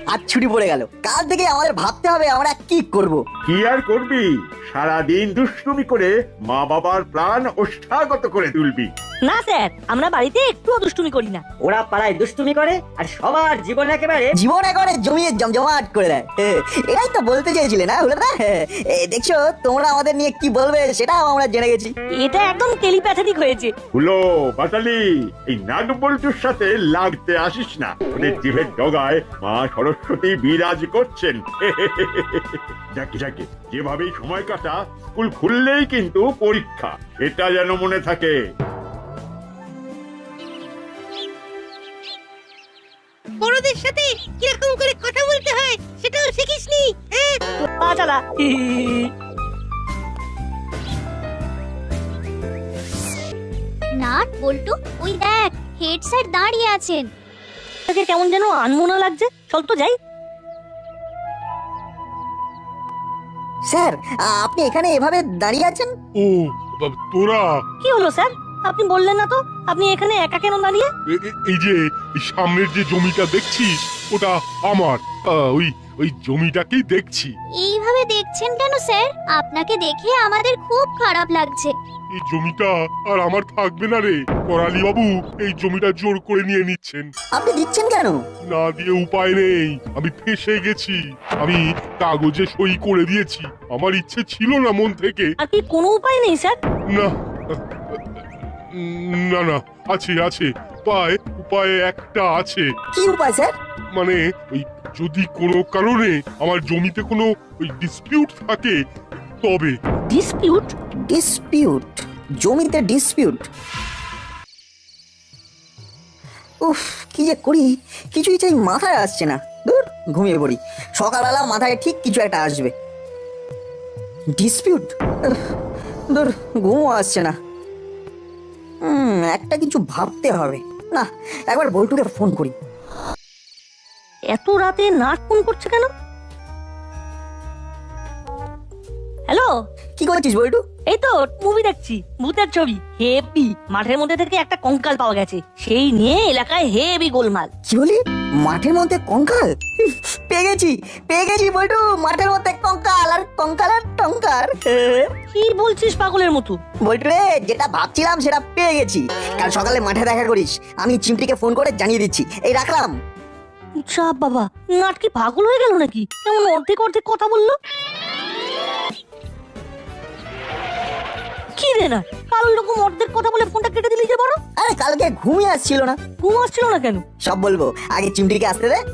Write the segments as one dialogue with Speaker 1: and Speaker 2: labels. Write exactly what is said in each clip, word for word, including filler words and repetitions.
Speaker 1: আজ ছুটি পড়ে গেল, কাল থেকে আমাদের ভাবতে হবে আমরা কি করব।
Speaker 2: কি আর করবি, সারাদিন দুষ্টুমি করে মা বাবার প্রাণ ওষ্ঠাগত করে তুলবি।
Speaker 3: না স্যার, আমরা বাড়িতে একটুও দুষ্টুমি করি না।
Speaker 4: ওরা পাড়ায় দুষ্টুমি করে আর সবার জীবন একেবারে
Speaker 1: জীবন একবারে জমিয়ে জমজমাট করে দেয়। এ, এটাই তো বলতে চেয়েছিলে না হলো না? এ, দেখছো তোমরা আমাদের নিয়ে কি বলবে সেটাও আমরা জেনে গেছি।
Speaker 3: এটা একদম টেলিপ্যাথেটিক হয়েছে।
Speaker 2: হলো বাটালি, এই নাট বল্টুর সাথে লাগতে আসিস না। ওদের জিভের ডগায় মা সরস্বতী বিরাজ করছেন। যাকে যাকে যেভাবেই সময় কাটা, স্কুল খুললেই কিন্তু পরীক্ষা, এটা যেন মনে থাকে।
Speaker 5: বড়দের সাথে কিরকম করে কথা বলতে হয় সেটাও শিখিসনি? হ্যাঁ,
Speaker 3: পা চালা।
Speaker 6: নাট বল্টু, ওই দেখ হেড স্যার দাঁড়িয়ে আছেন।
Speaker 3: তাকে কেমন যেন আনমনা লাগছে। চল তো যাই।
Speaker 1: স্যার, আপনি এখানে এভাবে দাঁড়িয়ে আছেন?
Speaker 7: ও বাবা, তোরা
Speaker 3: কি হলো স্যার? আপনি বললেন না তো আপনি এখানে একা কেন দাঁড়িয়ে?
Speaker 7: এ- এ- এই যে এই সামনের যে জমিটা দেখছিস ওটা আমার। আহ, ওই ওই জমিটাকেই দেখছি।
Speaker 6: এইভাবে দেখছেন কেন স্যার? আপনাকে দেখে আমাদের খুব খারাপ লাগছে।
Speaker 7: এই জমিটা আর আমার থাকবে না রে। করালি বাবু এই জমিটা জোর করে নিয়ে নিচ্ছেন।
Speaker 1: আপনি দিচ্ছেন কেন?
Speaker 7: না দিয়ে উপায় নেই, আমি ফেঁসে গেছি। আমি কাগজে সই করে দিয়েছি, আমার ইচ্ছে ছিল না মন থেকে।
Speaker 3: আর কি কোনো উপায় নেই স্যার?
Speaker 7: না না না, আছে আছে উপায়, উপায় একটা আছে।
Speaker 1: কি উপায় স্যার?
Speaker 7: মানে ওই যদি কোনো কারণে আমার জমিতে কোনো ওই ডিসপিউট থাকে তবে।
Speaker 3: ডিসপিউট?
Speaker 1: ডিসপিউট? জমিতে ডিসপিউট? উফ, কি যে করি কিছুই চাই মাথায় আসছে না। দূর, ঘুমিয়ে পড়ি, সকালবেলা মাথায় ঠিক কিছু একটা আসবে। ডিসপিউট? দূর, ঘুমও আসছে না। হুম, একটা কিছু ভাবতে হবে। না, একবার বল্টুকে ফোন করি।
Speaker 3: এত রাতে নাট ফোন করছে কেন? হ্যালো,
Speaker 1: কি করছিস বল্টু?
Speaker 3: এই তো মুভি দেখছি, ভূতের ছবি। হেভি, মাঠের মধ্যে থেকে একটা কঙ্কাল পাওয়া গেছে, সেই নিয়ে এলাকায় হেভি গোলমাল।
Speaker 1: কি বলি? মাঠের মধ্যে কঙ্কাল? পেয়ে গেছি, পেয়ে গেছি বল্টু, মাঠের মধ্যে কঙ্কাল, আর কঙ্কাল আর টঙ্কার।
Speaker 3: কি বলছিস পাগলের মতো?
Speaker 1: বল্টু রে, যেটা ভাবছিলাম সেটা পেয়ে গেছি। কাল সকালে মাঠে দেখা করিস, আমি চিমটিকে ফোন করে জানিয়ে দিচ্ছি। এই রাখলাম।
Speaker 3: চাপ বাবা, নাট কি পাগল হয়ে গেল নাকি? কেমন অর্ধেক অর্ধেক কথা বললো। কি রে না, কাল রকম অর্ধেক কথা বলে ফোনটা কেটে দিলি যে? বড়,
Speaker 1: আরে কালকে ঘুমিয়ে আসছিল না।
Speaker 3: ঘুম আসছিল না কেন?
Speaker 1: সব বলবো, আগে চিমটিকে আসতে দে।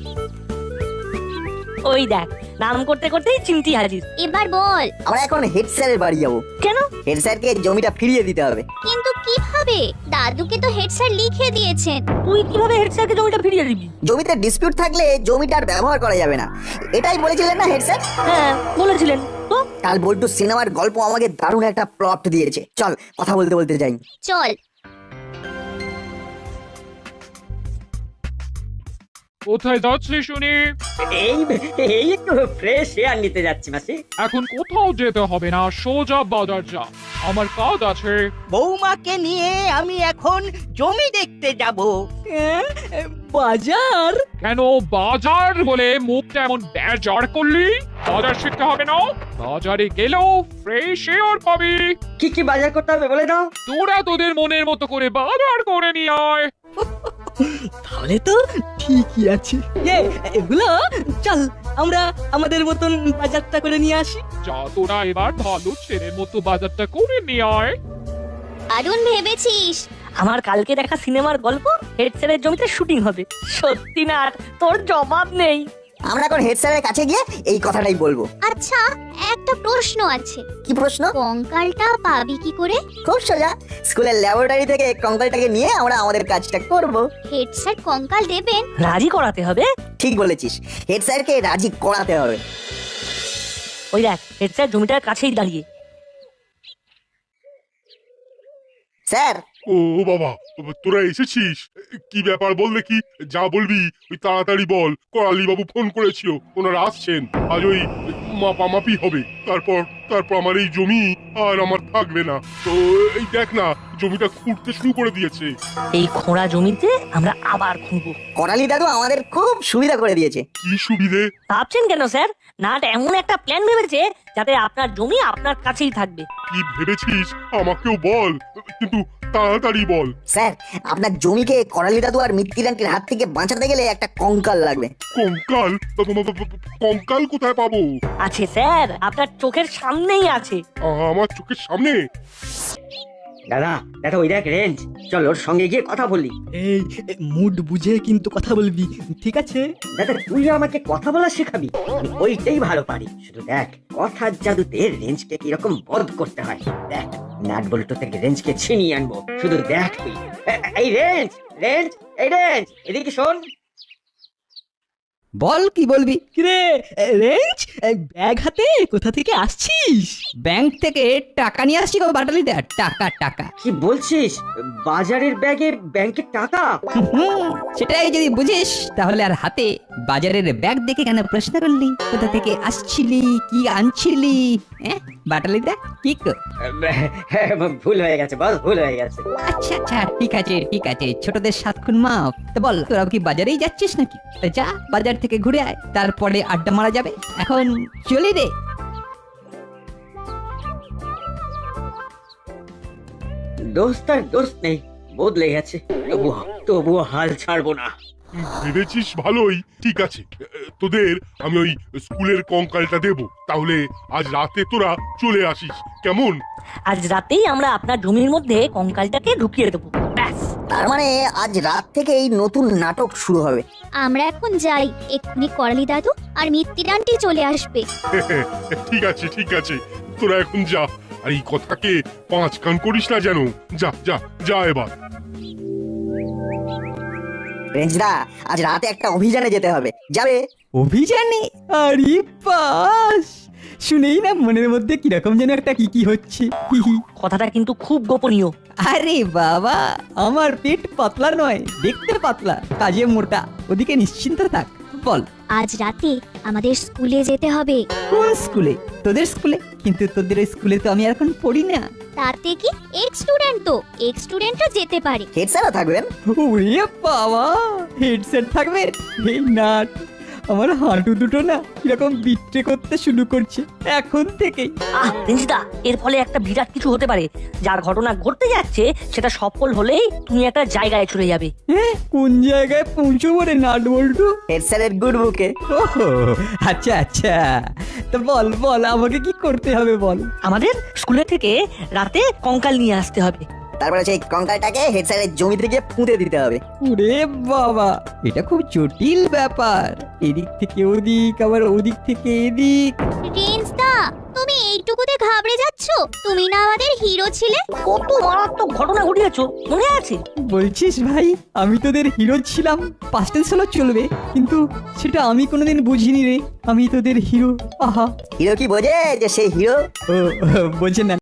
Speaker 3: ওই দেখ, নাম করতে করতেই চিমটি হাজির।
Speaker 6: এবার বল।
Speaker 1: আমরা এখন হেড স্যারের বাড়ি যাবো।
Speaker 3: কেন?
Speaker 1: হেড স্যারকে জমিটা ফিরিয়ে দিতে হবে।
Speaker 6: কিন্তু কিভাবে? দাদুকে তো হেড স্যার লিখে দিয়েছেন।
Speaker 3: তুই কিভাবে হেড স্যারকে জমিটা ফিরিয়ে দিবি?
Speaker 1: জমিতে ডিসপিউট থাকলে জমিটার ব্যবহার করা যাবে না, এটাই বলেছিলেন না হেড স্যার?
Speaker 3: হ্যাঁ বলেছিলেন তো।
Speaker 1: কাল বল্টু সিনেমার গল্প আমাকে দারুণ একটা প্লট দিয়েছে। চল কথা বলতে বলতে যাই।
Speaker 6: চল।
Speaker 8: কোথায় যাচ্ছি শুনি?
Speaker 4: এই এই একটু ফ্রেশ এয়ার নিতে যাচ্ছি মাসি।
Speaker 8: এখন কোথাও যেতে হবে না, সোজা বাজার যা, আমার কাজ আছে।
Speaker 5: বৌমাকে নিয়ে আমি এখন জমি দেখতে যাব।
Speaker 3: বাজার?
Speaker 8: কেন বাজার বলে মুখটা এমন বেজার করলি? বাজার শিখতে হবে না? বাজারে গেলেও ফ্রেশ এয়ার পাবি।
Speaker 4: কি কি বাজার করতে হবে বলে দাও।
Speaker 8: তোরা তোদের মনের মতো করে বাজার করে নিয়ে আয়।
Speaker 5: তাহলে তো ঠিকই আছে। এগুলো চল আমরা আমাদের মতন বাজারটা করে নিয়ে আসি।
Speaker 8: যা, তোরা এবার ভালো ছেলের মতো বাজারটা করে নিয়ে আয়।
Speaker 6: দারুণ ভেবেছিস।
Speaker 3: আমার কালকে দেখা সিনেমার গল্প হেড স্যারের জমিতে শুটিং হবে। সত্যি না, তোর জবাব নেই।
Speaker 1: আমরা এখন হেড স্যারের কাছে গিয়ে এই কথাটাই বলবো।
Speaker 6: আচ্ছা, একটা প্রশ্ন আছে।
Speaker 1: কি প্রশ্ন?
Speaker 6: কঙ্কালটা পাবি কি করে?
Speaker 1: খুব সোজা, স্কুলের ল্যাবরেটরি থেকে কঙ্কালটাকে নিয়ে আমরা আমাদের কাজটা করব।
Speaker 6: হেড স্যার কঙ্কাল দেবেন?
Speaker 3: রাজি করাতে হবে।
Speaker 1: ঠিক বলেছিস, হেড স্যারকে রাজি করাতে হবে।
Speaker 3: ওই দেখ, হেড স্যার জমিটার কাছেই দাঁড়িয়ে।
Speaker 1: স্যার,
Speaker 7: ও বাবা, তোরা এসেছিস? কি ব্যাপার বল দেখি, যা বলবি ওই তাড়াতাড়ি বল। করালি বাবু ফোন করেছিল, ওনারা আসছেন, আজ ওই মাপামাপি হবে, তারপর তারপর আমার এই জমি আর আমার থাকবে না। তো এই দেখ না, জমিটা খুঁড়তে শুরু করে দিয়েছে।
Speaker 3: এই খোঁড়া জমিতে আমরা আবার খুঁড়বো।
Speaker 1: করালি দাদু আমাদের খুব সুবিধা করে দিয়েছে।
Speaker 7: কি সুবিধে?
Speaker 3: ভাবছেন কেন স্যার? নাট এমন একটা প্ল্যান ভেবেছে যাতে আপনার জমি আপনার কাছেই থাকবে।
Speaker 7: কি ভেবেছিস আমাকেও বল, কিন্তু তাড়াতাড়ি বল।
Speaker 1: স্যার, আপনার জমিকে করালি দাদু আর মিত্তিরান্টির হাত থেকে বাঁচাতে গেলে একটা কঙ্কাল লাগবে।
Speaker 7: কঙ্কাল? কঙ্কাল কোথায় পাবো?
Speaker 3: আছে স্যার, আপনার চোখের সামনেই আছে।
Speaker 7: আমার চোখের সামনে?
Speaker 4: দাদা দাদা ওই দেখ রেঞ্জ, চল ওর সঙ্গে গিয়ে কথা বলি।
Speaker 5: এই মুড বুঝে কিন্তু কথা বলবি, ঠিক আছে?
Speaker 4: দাদা তুই আমাকে কথা বলা শেখাবি, আমি ওইটাই ভালো পারি। শুধু দেখ কথার জাদুতে রেঞ্জকে কিরকম বধ করতে হয়। দেখ নাট বল্টু থেকে রেঞ্জকে ছিনিয়ে আনবো, শুধু দেখ তুই। এ- এই রেঞ্জ, রেঞ্জ, এই রেঞ্জ, এদিকে শোন।
Speaker 9: বল কি বলবি?
Speaker 5: কিরে রেঞ্জ, ব্যাগ হাতে কোথা থেকে আসছিস?
Speaker 9: ব্যাংক থেকে টাকা নিয়ে আসছি গো বাটালিদা, টাকা টাকা।
Speaker 4: কি বলছিস? বাজারের ব্যাগে ব্যাংকের টাকা?
Speaker 9: হুম, সেটাই যদি বুঝিস তাহলে আর হাতে বাজারের ব্যাগ দেখে কেন প্রশ্ন করলি? কোথা থেকে আসছিলি, কি আনছিলি? হ্যাঁ বাটালিদা, কি কর?
Speaker 4: ভুল হয়ে গেছে বস, ভুল হয়ে গেছে।
Speaker 9: আচ্ছা আচ্ছা, ঠিক আছে ঠিক আছে, ছোটদের সাত খুন মাপ। তো বল, তোরা কি বাজারেই যাচ্ছিস নাকি? তা যা, বাজার থেকে ঘুরে আয়, তারপরে আড্ডা মারা যাবে। এখন চলি রে।
Speaker 4: দোস্ত আর দোস্ত নেই, বদলে গেছে। তবুও তবুও হাল ছাড়বো না।
Speaker 7: ভেবেছিস ভালোই, ঠিক আছে। তোদের আমি ওই স্কুলের কঙ্কালটা দেব, তাহলে আজ রাতে তোরা চলে আসিস, কেমন?
Speaker 3: আজ রাতেই আমরা আপনার জমির মধ্যে কঙ্কালটাকে ঢুকিয়ে দেবো, ব্যাস।
Speaker 1: তার মানে আজ রাত থেকে এই নতুন নাটক শুরু হবে।
Speaker 6: আমরা এখন যাই, এক্ষুনি করালি দাদু আর মিত্তিরান্টি চলে আসবে।
Speaker 7: ঠিক আছে ঠিক আছে, তোরা এখন যা, আর এই কথাকে পাঁচ কান করিস না যেন। যা যা যা এবার।
Speaker 1: রেঞ্জদা, আজ রাতে একটা অভিযানে যেতে হবে, যাবে?
Speaker 5: অভিযানে? আরে বাস, শুনেই না মনের মধ্যে কিরকম যেন একটা কি কি হচ্ছে। হি হি।
Speaker 3: কথাটা কিন্তু খুব গোপনীয়।
Speaker 5: আরে বাবা, আমার পেট পাতলা নয়, দেখতে পাতলা, কাজে মোটা, ওদিকে নিশ্চিন্ত থাক। বল,
Speaker 6: আজ রাতে আমাদের স্কুলে যেতে হবে।
Speaker 9: কোন স্কুলে? তোদের স্কুলে? কিন্তু তোদের ওই স্কুলে তো আমি এখন পড়ি না।
Speaker 6: তাতে কি, এক্স স্টুডেন্ট তো, এক্স স্টুডেন্টও যেতে পারে।
Speaker 1: হেড স্যারও থাকবেন।
Speaker 5: ওরে বাবা, হেডসেট থাকবে? এই নাট, আমার হাঁটু দুটো না কিরকম বিট্রে করতে শুরু করছে এখন থেকেই।
Speaker 3: আহ রেঞ্জিদা, এর ফলে একটা বিরাট কিছু হতে পারে। যার ঘটনা ঘটতে যাচ্ছে সেটা সফল হলেই তুমি একটা জায়গায় চলে যাবে।
Speaker 5: হ্যাঁ, কোন জায়গায় পৌঁছবো রে নাট বল্টু?
Speaker 1: হেড স্যারের গুড বুকে।
Speaker 5: ওহো, আচ্ছা আচ্ছা, তো বল বল, আমাকে কি করতে হবে বল।
Speaker 3: আমাদের স্কুলে থেকে রাতে কঙ্কাল নিয়ে আসতে হবে।
Speaker 1: তারপরে সেই কঙ্কালটাকে হেড স্যারের জমি থেকে পুঁতে দিতে হবে।
Speaker 5: ওরে বাবা, এটা খুব জটিল ব্যাপার। এদিক থেকে ওদিক, আবার ওদিক থেকে এদিক।
Speaker 6: রেঞ্জ দা, তুমি এইটুকুতে ঘাবড়ে যাচ্ছ? তুমি না আমাদের হিরো ছিলে।
Speaker 3: কত মারাত্মক ঘটনা ঘটিয়েছো, মনে আছে?
Speaker 5: বলছিস ভাই, আমি তোদের হিরো ছিলাম? পাস্ট টেন্স হলো চলবে, কিন্তু সেটা আমি কোনোদিন বুঝিনি রে। আমি তোদের হিরো। আহা,
Speaker 1: হিরো কি বোঝে যে সেই হিরো?
Speaker 5: ও বোঝে না।